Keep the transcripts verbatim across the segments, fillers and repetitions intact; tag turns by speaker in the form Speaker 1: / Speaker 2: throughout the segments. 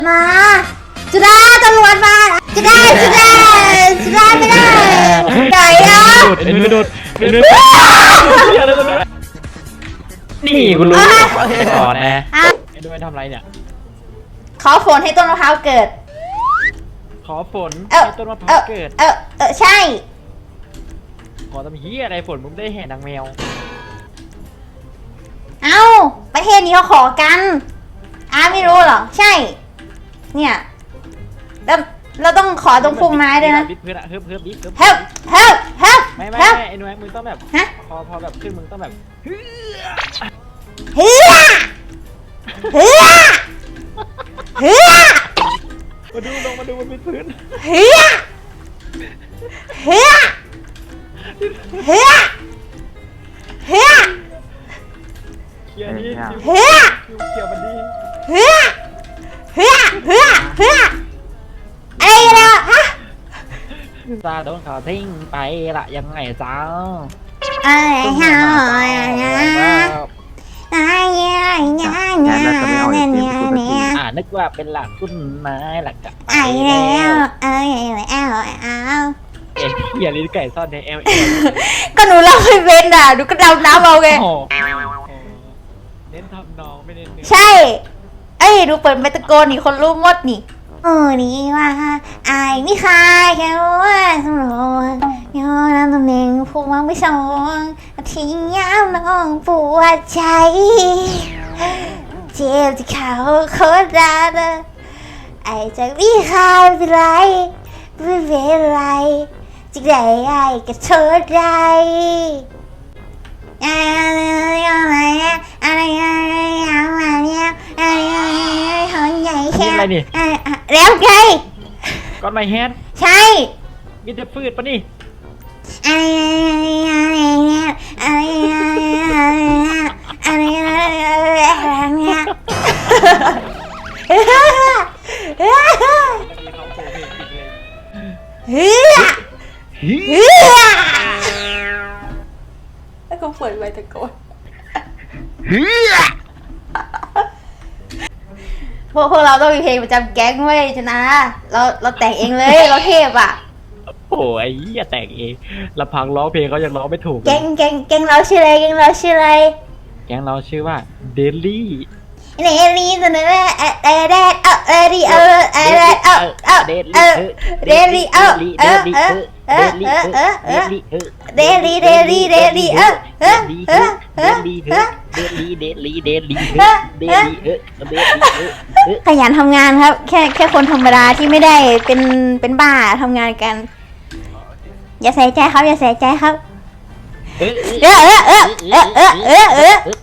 Speaker 1: มาจุดาตำรวจมาจุดาจุดาจุดาไม่ได้ไหนอ่ะ
Speaker 2: เอ็นมือดุดเอ็นมือนี่คุณรู้ก่อนนะไอ้ด้วยทำไรเนี่ย
Speaker 1: ขอฝนให้ต้นมะพร้าวเกิด
Speaker 2: ขอฝนให้ต้นมะพร้าวเกิด
Speaker 1: เออเออใช่
Speaker 2: ขอทำเหี้ยอะไรฝนมึงได้แห่นางแมว
Speaker 1: เอ้าประเทศนี้เขาขอกันอ้าไม่รู้เหรอใช่เนี่ยแล้วเราต้องขอตรงพุ่มไม้ด้วยนะ
Speaker 2: บิดเพื่อนอะเฮิบเฮิบบิดเฮิบ
Speaker 1: เฮิบเฮิบเฮิบ
Speaker 2: ไม่ไม่ไม่ไอ้หนุ่ยมึงต้องแบบพอพอแบบขึ้นมึงต้องแบบเฮือ
Speaker 1: เฮือเฮือเฮือ
Speaker 2: มาดูลงมาดูบนพื้น
Speaker 1: เฮือเฮือเฮือเฮือ
Speaker 2: เขียวนี้
Speaker 1: เฮือ
Speaker 2: เขียวมันดี
Speaker 1: เฮือเฮือเฮือเฮืออะไรนะฮะ
Speaker 2: ซาโดนเขาทิ้งไปละยังไงจ้า
Speaker 1: อะไรฮะอะไรเนี่ยเนี่ยเนี่ยเนี่ยเนี่ย
Speaker 2: อ่านึกว่าเป็นหลักต้นไม้หลักกับ
Speaker 1: ไอ้แล้วเอ้ยเอ้าเอ้า
Speaker 2: เอ็นอย่าลิ้นไก่ซ่อนในเอล
Speaker 1: ก็หนูเล่าให้เป็นอ่ะหนูก็ดำน้ำเอาไง
Speaker 2: เน้นทำน้องไม่เน้นเนื้อ
Speaker 1: ใช่เอ้ยดูเปิดไมตะโกนนี่คนรู้หมดนี่โอ้นี่ว่าไอ้ไม่คายแค่ว่าสมรองย้อนน้ำตำแหน่งพวกมันไม่ส่งทิ้งย้ำน้องปวดใจเจ็บที่เขาโคตรรักไอ้จากไม่คายเป็นไรไม่เป็นไรจิกได้ไอ้ก็โทษใจอะไรอะไรอะไรอะไรเนี่ยอะไรหอยใหญ่แค่แล้วไง
Speaker 2: ก้อนไม้แฮน
Speaker 1: ใช่
Speaker 2: มีแต่ฟืดปะนี่
Speaker 1: อะไรอะไรเนี่ยอะไรอะไรอะไรเนี่ยเฮ้ยเฮ้ยแล้วก็เปิดไว้ตะโกนพวกพวกเราต้องมีเพลงประจำแก๊งเว้ยชนะเราเราแต่งเองเลยเราเทพอ่ะ
Speaker 2: โอ้ยอย่าแต่งเองลำพังร้องเพลงเขายังร้องไม่ถูก
Speaker 1: แก๊งแก๊งแก๊งเราชื่ออะไรแก๊งเราชื่ออะไร
Speaker 2: แก๊งเราชื่อว่าเดลี่
Speaker 1: เดลี่ตัวนั้นแหละเออเดดเออเออดีเออเออเออเออเดลี่เดลี่เออเออเออเออเออเออเออเดลี่เดลี่เดลี่เออเออเออเออเดลี่
Speaker 2: เดลี่เดลี่เดลี่เดลี่เออเดลี่เออ
Speaker 1: ขยันทำงานครับแค่แค่คนธรรมดาที่ไม่ได้เป็นเป็นบ้าทำงานกันอย่าใส่ใจครับอย่าใส่ใจครับเออเออเออเออเออเออเออเออเออเออเออเออเออเออเออ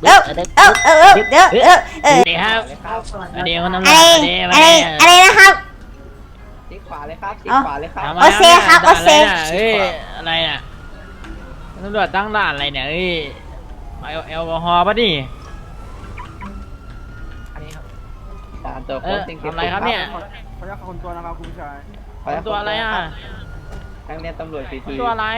Speaker 2: เดี๋ยวครับเดี๋ยวน้ำ
Speaker 1: อะไรอะไรอะไรนะครับ
Speaker 3: ชิดขวาเลยครับชิดขวาเลยครับ
Speaker 1: โอเซครับโอเซ
Speaker 2: เอ้ยอะไรน่ะตำรวจตั้งด่านอะไรเนี่ยเอ้ยแอลกอฮอล์ป่ะนี่
Speaker 3: อันนี้ครับด่านตัวค
Speaker 2: เออน ทำอะไรครับเนี่ย
Speaker 4: ขออนุญาตคนตัวนะครับคุณชาย
Speaker 2: คนตัวอะไรอ่ะ
Speaker 3: ทางเรียนตำรวจซีที
Speaker 2: ตัวอะไร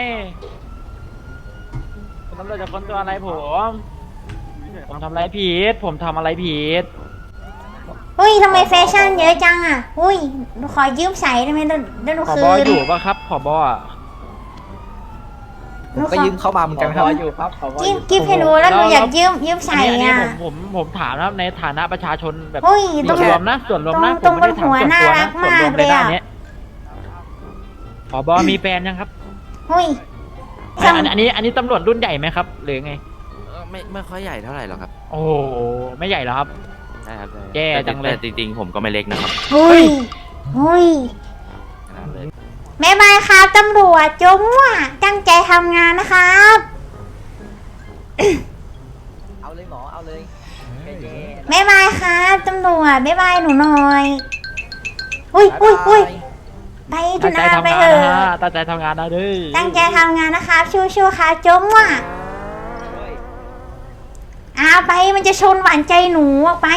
Speaker 2: ตำรวจจะคนตัวอะไรผมผมทำอะไรผิดผมทำอะไรผิด
Speaker 1: เฮ้ยทำไมแฟชั่นเยอะจังอ่ะอุ้ยขอยืมใส่ได้ไหมเดี๋ยวหนูคืน
Speaker 2: ผบอยู่ปะครับผบอ่ะ
Speaker 3: ผมก็ยืมเข้ามาเหมือนกันครับอยู่ครับ
Speaker 1: กิฟกิฟให้ดูแล้วหนูอยากยืมยืมใส่อ่ะ
Speaker 2: ผมผมผมถามนะในฐานะประชาชนแบบ
Speaker 1: ส่วน
Speaker 2: รวมนะส่วนรวมนะ
Speaker 1: ตรงบนหัวน่ารักมากเลยอ่ะ
Speaker 2: ผบมีแฟนยังครับ
Speaker 1: เฮ้ย
Speaker 2: อันนี้อันนี้ตำรวจรุ่นใหญ่ไหมครับหรือไง
Speaker 5: ไม่ไม่ค่อยใหญ่เท่าไหร่หรอกครับ
Speaker 2: โอ้ไม่ใหญ่หรอครับ
Speaker 5: ใช่ครับ
Speaker 2: แย่จังเลย
Speaker 5: จริงๆผมก็ไม่เล็กนะครับ
Speaker 1: เฮ้ยเฮ้ยแม่บายครับตำรวจจงว่าตั้งใจทำงานนะครับ
Speaker 3: เอาเลยหมอเอาเลย
Speaker 1: แม่บายครับตำรวจแม่บายหนูหน่อยอุ้ยอุ้ยอุ้ยไปจุนาไปเถอะ
Speaker 2: ตั้งใจทำงานนะดิ
Speaker 1: ตั้งใจทำงานนะครับชู้ๆค่ะจงว่าอาไปมันจะชนหวานใจหนูออกไป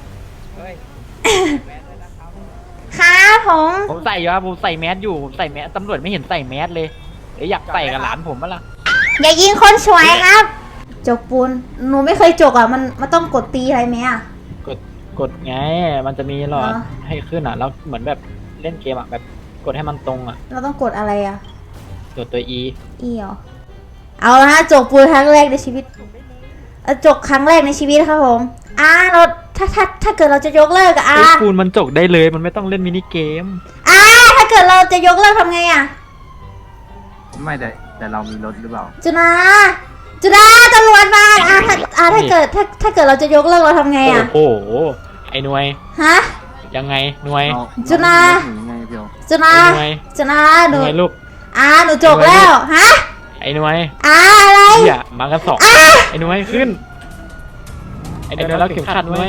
Speaker 1: ครับผม
Speaker 2: ผมใส่อยู่ครับผมใส่แมสอยู่ผมใส่แมสตำรวจไม่เห็นใส่แมสเลยอยากใส่กับหลานผมมั้งล่ะ
Speaker 1: อย่ายิงคนสวยครับจกปูนหนูไม่เคยจกอ่ะมันมันต้องกดตีอะไรไหมอ่ะ
Speaker 2: กดกดไงมันจะมีหลอด
Speaker 1: เหรอ
Speaker 2: ให้ขึ้นอ่ะแล้วเหมือนแบบเล่นเกมอ่ะแบบกดให้มันตรงอ่ะ
Speaker 1: เราต้องกดอะไรอ่ะ
Speaker 2: กดตัว E
Speaker 1: อีเหรอเอาละฮะจกปูนครั้งแรกในชีวิตเอ่อจกครั้งแรกในชีวิตครับผมอ่าเราถ้าถ้าถ้าเกิดเราจะยกเลิกอะอ่า
Speaker 2: ไอ้ปูนมันจกได้เลยมันไม่ต้องเล่นมินิเกม
Speaker 1: อ่าถ้าเกิดเราจะยกเลิกทำไงอะ
Speaker 4: ไม่แต่แต่เรามีรถหรือเปล่า
Speaker 1: จุนาจุนาตำรวจมาอ่าถ้าอ่าถ้าเกิดถ้าถ้าเกิดเราจะยกเลิกเราทำไงอะ
Speaker 2: โอ้โหไอ้หน่วย
Speaker 1: ฮะ
Speaker 2: ยังไงหน่วย
Speaker 4: เรา
Speaker 1: จุฬา
Speaker 4: เรมีรถหนีไงเพียว
Speaker 1: จุนา
Speaker 2: ไอ้หน่วย
Speaker 1: จุนา
Speaker 2: ห
Speaker 1: หนู
Speaker 2: น่วยลูก
Speaker 1: อ่าหนูจกแล้วฮะ
Speaker 2: ไอ้หน่วย
Speaker 1: อ่าอะไร
Speaker 2: เหี้ยมากันสองไอ้หน่วยขึ้นไอ้หน่วยแล้วเข็มขัดหน่วย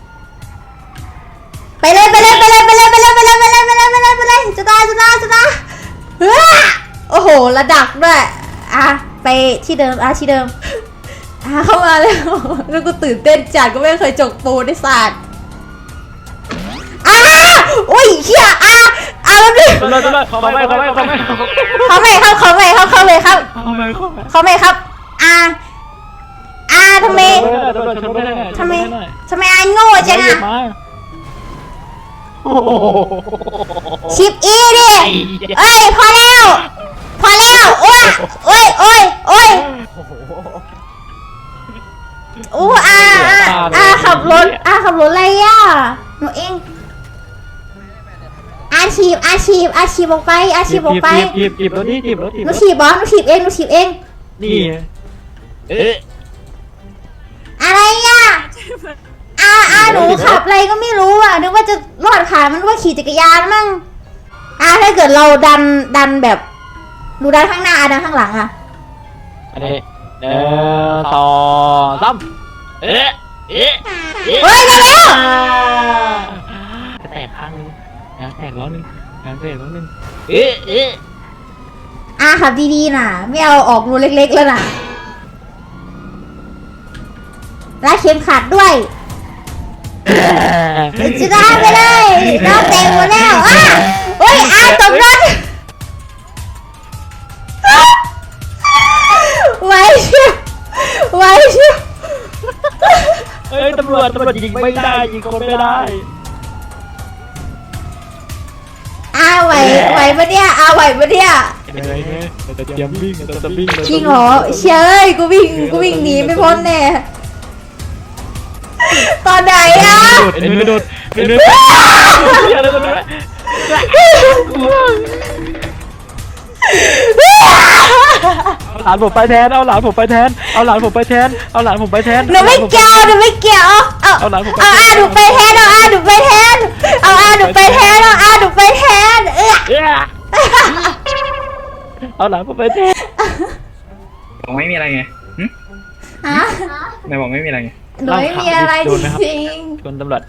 Speaker 1: ไปเลยไปเลยไปเลยไปเลยไปเลยไปเลยไปเลยไปเลยไปเลยไปเลยจุนาจุนาจุนาเฮ้ยโอ้โหระดับด้วยอ่ะไปที่เดิมอ่ะที่เดิมอ่ะเข้ามาแล้วแล้วกูตื่นเต้นจัดก็ไม่เคยจกปูในศาสตร์อ่ะอุ้ยเฮียอ่ะอ่ะแล้วดิ
Speaker 2: ตำรวจตำรวจเขาไม่เขาไม่เขาไม่
Speaker 1: เขาไม่ครับเขาไม่ครับเขาเลยครับ
Speaker 2: เขาไม่เขาไม่
Speaker 1: เขาไม่ครับ อ่า อ่าทำไม
Speaker 2: ตำรวจชนไม่ได้
Speaker 1: ทำไมทำไมไอ้โง่จังอ่ะ
Speaker 2: โอ้โห
Speaker 1: ชิปอีดิเอ้ยพอแล้ว พอแล้วโอ้ยโอ้ยโอ้ยโอ้ยอู้อ่าอ่าอ่าขับรถอ่าขับรถอะไรอ่ะหนูเองอาชีพอาชีพอาชีพออกไปอาชีพออกไป
Speaker 2: จีบจีบรถดิจีบรถจีบ
Speaker 1: ห
Speaker 2: ร
Speaker 1: นู
Speaker 2: ถ
Speaker 1: ถีบบอสหนูถีบเองหนูถีบเอง
Speaker 2: นี่เอ๊ะ
Speaker 1: อะไรอ่ะอ่าอ่าหนูขับอะไรก็ไม่รู้อ่ะนึกว่าจะรอดขามันว่าขี่จักรยานมั่งอ่าถ้าเกิดเราดันดันแบบดูดันข้างหน้าอ่ะดันข้างหลังอ่ะ
Speaker 2: อันนี้หนึ่งสองสามเอ๊ะเอ๊ะ
Speaker 1: เฮ้ยได้แล้ว
Speaker 2: จะแตกข้างนึงยางแตกล้อนึงยางแตกล้อนึงเอ๊ะเอ๊ะ
Speaker 1: อ่าขับดีๆน่ะไม่เอาออกรูเล็กๆแล้วน่ะรัดเข็มขัดด้วยจะได้ไปเลยเราเต็มหมดแล้วอ่ะโอ้ยอ่าตกรถไว้เชียวไว้เชียว
Speaker 2: เฮ้ยตำรวจตำรวจยิงไม่ได้ยิงคนไม่ได้
Speaker 1: อ่าไหวไหวปะเนี่ยอ่าไหวปะเนี่ย
Speaker 2: เหนื่อยไงเราจะเตรียมวิ่งเราจะวิ่ง
Speaker 1: จริงเหรอเชยกูวิ่งกูวิ่งหนีไม่พ้นแน่ตอนไหนอ่ะ
Speaker 2: เอ็นไม่โดนเอ็นไม่โดนอย่าเลยตำรวจเอาหลานผมไปแทนเอาหลานผมไปแทนเอาหลานผมไปแทนเอาหลานผมไปแทน
Speaker 1: หนูไม่เกี่ยวหนูไม่เกี่ยวเอา
Speaker 2: เอาหลานผมไป
Speaker 1: เอาอ่าหนูไปแทนเอาอ่าหนูไปแทนเอาอ่าหนูไปแทนเอาอ่าหนูไปแทนเออ
Speaker 2: เอ๊ะเอาหลานผมไปแทน
Speaker 6: บอกไม่มีอะไรไง
Speaker 1: ฮะ
Speaker 6: นายบอกไม่มีอะไรไง
Speaker 1: หนูไม่มีอะไรจริง
Speaker 2: ชนตำรวจ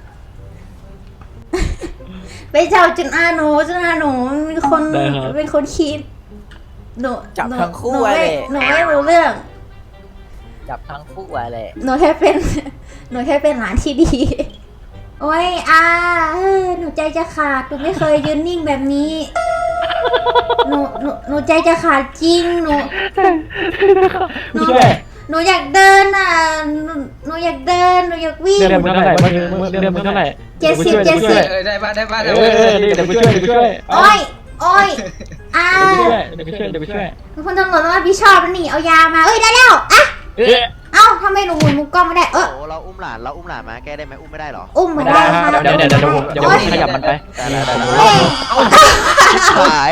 Speaker 1: ๆไปเจ้าจุนอาหนูจุนอาหนูเป็นคน
Speaker 2: ได้ครับ
Speaker 1: เป็นคนคิดหนู
Speaker 3: จับ
Speaker 1: หนู
Speaker 3: ทั้งคู่
Speaker 1: หนู
Speaker 3: ไว้
Speaker 1: ไม่
Speaker 3: เลย
Speaker 1: หนูไม่รู้เรื่อง
Speaker 3: จับทั้งคู่ไว้เลย
Speaker 1: หนูแค่เป็น หนูแค่เป็นหลานที่ดี โอ้ยอาเออหนูใจจะขาด หนูไม่เคยยืนนิ่งแบบนี้ หนู หนู หนูใจจะขาดจริง หนู หนู หนูอยากเดินอ่ะ หนู หนูอยากเดิน หนูอยากวิ่ง
Speaker 2: เรื่องมันเท่าไหร่เรื่องมันเท่าไหร่
Speaker 1: เจ็ดสิบเจ็ดสิบ
Speaker 6: เออได้ป่ะได้ป่ะ
Speaker 2: เออเดี๋ยวไปช่วยเดี๋ยวไปช่วย
Speaker 1: โอ้ย โอ้ยอา
Speaker 2: เดี๋ยวไปช่วยเดี๋ยวไปช่วย
Speaker 1: คุณตำรวจต้องรับผิดชอบนะนี่ เอายามา เอ้ย ได้แล้วอ่ะ
Speaker 2: เอ๊ะ
Speaker 1: เอ้าทำไมหนูหมุนมุกกล้องไม่ได้ เออ
Speaker 7: โอ้เราอุ้มหลานเราอุ้มหลานมาแก้ได้ไหมอุ้มไม่ได้เหรอ
Speaker 1: อุ้มเหมือน
Speaker 2: ได้
Speaker 1: ได้
Speaker 2: ค
Speaker 1: ค่ะ
Speaker 2: รับเดี๋ยวเดี๋ยวเดี๋ยวผมเดี๋ยวผมขยับมันไป
Speaker 7: ได้ได้ได้
Speaker 1: เฮ้ย
Speaker 7: หาย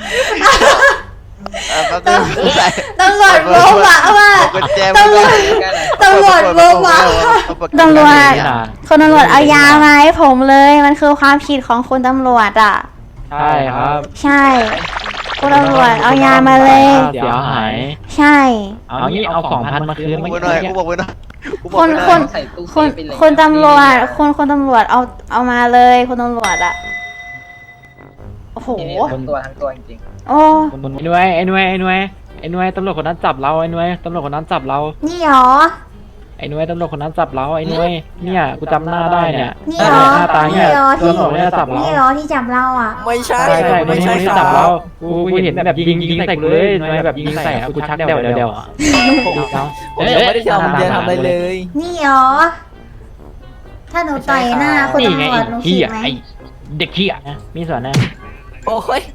Speaker 7: เออแป๊บนึงใส่
Speaker 1: ตำรวจโบ๊ะอะว่า
Speaker 7: กุญแจ
Speaker 1: ตำรวจตำรวจโบ๊ะอะตำรวจคนตำรวจเอายามาให้ผมเลย มันคือความผิดของคุณตำรวจอ่ะ
Speaker 2: ใช่ครับ
Speaker 1: ใช่คุณตำรวจเอายามาเลย
Speaker 2: เดี๋ยวหาย
Speaker 1: ใช่
Speaker 2: เอางี้เอาสองพันมาคืน
Speaker 7: กู
Speaker 2: ไม่
Speaker 7: บอกหน่อยกูบอกไว้หน่อยกูบ
Speaker 1: ค
Speaker 7: อก
Speaker 1: น
Speaker 7: ไว้หน่อย
Speaker 1: คนคนคนตำรวจคนคนตำรวจเอาเอามาเลยคนตำรวจอ่ะโอ้โห
Speaker 3: ทั้งตัวทั้งตัวจริง
Speaker 1: โอ้
Speaker 2: ไอ้หน่วยไอ้หน่วยไอ้หน่วยไอ้หน่วยตำรวจคนนั้นจับเราไอ้หน่วยตำรวจคนนั้นจับเรา
Speaker 1: นี่หรอ
Speaker 2: ไอ้หน่วยตำรวจคนนั้นจับเราไอ้หน่วยเนี่ยกูจำหน้าได้เนี่ย
Speaker 1: นี่หรอ
Speaker 2: หน้าตาเนี่ย
Speaker 1: นี่หรอที่
Speaker 2: ตำรวจเนี่ยจับเรา
Speaker 1: นี่หรอที่จับเราอ่ะ
Speaker 3: ไม่ใช่
Speaker 2: ใช่ใช่ไม่
Speaker 3: ไม่
Speaker 2: ใช่
Speaker 3: ใช่
Speaker 2: ที่
Speaker 3: ค
Speaker 2: จั
Speaker 3: รั
Speaker 2: บบ เรา
Speaker 3: เรา
Speaker 2: กูกูเห็นแบบยิงยิงใส่กูเลยหน่วยแบบยิงใส่อะกูชักเดวเดวเดวอ่ะ
Speaker 3: ผมยังไม่ได้ทำเดียทำอะไรเลย
Speaker 1: นี่หรอถ้าหนูต่อยหน้าคุณ
Speaker 2: นี่ไง
Speaker 1: ตำรวจหนู
Speaker 2: ไอ้
Speaker 1: ผิ
Speaker 2: เหี้
Speaker 1: ด
Speaker 2: ย
Speaker 1: ไหม
Speaker 2: ไอ้เด็กเหี้ยนะมีส่วนนะ
Speaker 3: โอ้ย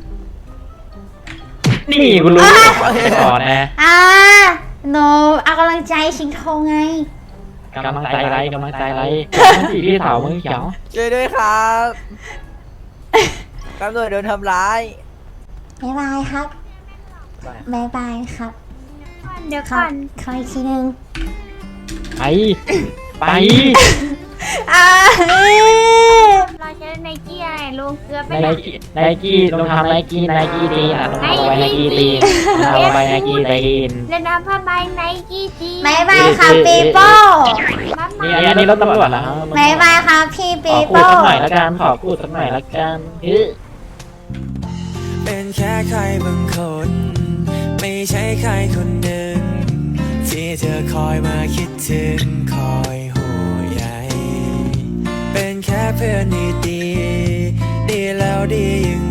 Speaker 2: นี่กูรู้ก่อนนะ
Speaker 1: อ่าหนูเอากำลังใจชิงทองไง
Speaker 2: กำลังใจไรกำลังใจไรสีพี่สาวมึงเขียว
Speaker 3: ช่วยด้วยครับตำรวจโดนทำร้าย
Speaker 1: บ๊ายบายครับบ๊ายบายครับ
Speaker 8: เดี๋ยว
Speaker 1: ข
Speaker 8: ก่
Speaker 1: อ
Speaker 8: อน
Speaker 1: ขออีกทีหนึง
Speaker 2: ไปไป
Speaker 1: อ่า
Speaker 8: เราใช้ไนกี้อะไรลุงเกลือไป
Speaker 2: ไน
Speaker 8: ไหน
Speaker 2: กี้ไนกี้ลงทำไนกี้ไนกี้ตีอ่ะลงทำเอาไว้ไนกี้ตีเอาไว้ไนกี้ตีน
Speaker 8: เล่นน้ำผ้าใบไนกี้จี
Speaker 1: บ๊ายบายครับปีโป้
Speaker 8: มา
Speaker 2: นี่อันนี้รถตำรวจเหรอครับ
Speaker 1: บ๊ายบายครับพี่
Speaker 2: ข
Speaker 1: ปี
Speaker 2: อพูด
Speaker 1: โป้
Speaker 2: สักหน่อยละกันขอพูดสักหน่อยละกันเฮ้ย
Speaker 9: เป็นแค่ใครบางคน ไม่ใช่ใครคนหนึ่ง ที่เธอคอยมาคิดถึงคอยห่วงใยเป็นแค่เพื่อนดีๆดีแล้วดียัง